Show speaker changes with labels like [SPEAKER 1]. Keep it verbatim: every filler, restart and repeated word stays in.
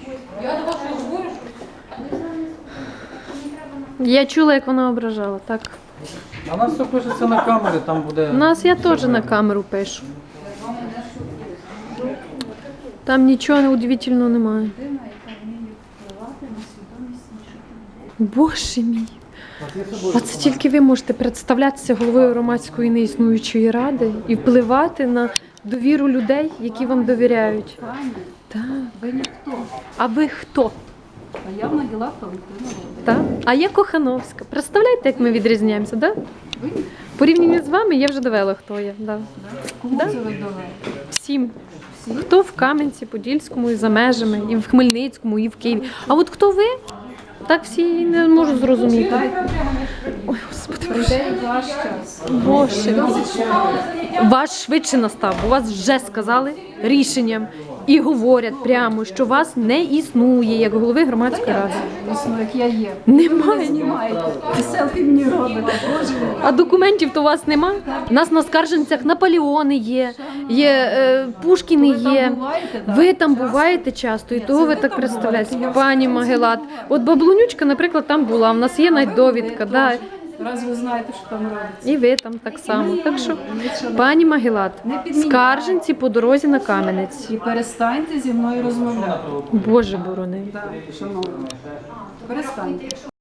[SPEAKER 1] Я до вас говорю,
[SPEAKER 2] Я чула, як вона ображала, так.
[SPEAKER 3] А у нас все пишеться на камері, там буде...
[SPEAKER 2] У нас я теж на камеру пишу. Там нічого неудивительного немає. Боже мій. Оце тільки ви можете представлятися головою громадської неіснуючої ради і впливати на довіру людей, які вам довіряють. Так.
[SPEAKER 1] ви ніхто.
[SPEAKER 2] А ви хто?
[SPEAKER 1] А я Могила Валентина
[SPEAKER 2] Так? А я Кохановська. Представляєте, як ми відрізняємося, так? Да?
[SPEAKER 1] Ви ніхто.
[SPEAKER 2] Порівняно з вами я вже довела, хто я. Да.
[SPEAKER 1] Кому
[SPEAKER 2] Да?
[SPEAKER 1] це ви довели?
[SPEAKER 2] Всім.
[SPEAKER 1] Всі?
[SPEAKER 2] Хто в Кам'янці, Подільському, і за межами, і в Хмельницькому, і в Києві. А от хто ви? Так всі не можу зрозуміти. Ой, Господи, Боже.
[SPEAKER 1] Прийде і ваш час.
[SPEAKER 2] Боже. Ваш швидше настав, бо вас вже сказали рішенням і говорять прямо, що вас не існує як голови громадської ради.
[SPEAKER 1] Дійсно, як я є.
[SPEAKER 2] Немає.
[SPEAKER 1] Ви знімаєте. Ви селфі мені робите. Боже мій.
[SPEAKER 2] А документів то у вас нема? У нас на скарженцях Наполеони є, є е, Пушкіни
[SPEAKER 1] Ви там
[SPEAKER 2] є.
[SPEAKER 1] буваєте, так?
[SPEAKER 2] Ви там буваєте часто, і того ви так представляєте. Пані Могилат. От Баблонючка, наприклад, там була. У нас є навіть довідка. Да.
[SPEAKER 1] Раз ви знаєте, що там робиться.
[SPEAKER 2] І ви там так само. Так що, пані Могилат, скарженці по дорозі на Кам'янець.
[SPEAKER 1] І перестаньте зі мною розмовляти.
[SPEAKER 2] Боже борони.
[SPEAKER 1] Так, шановні. Перестаньте.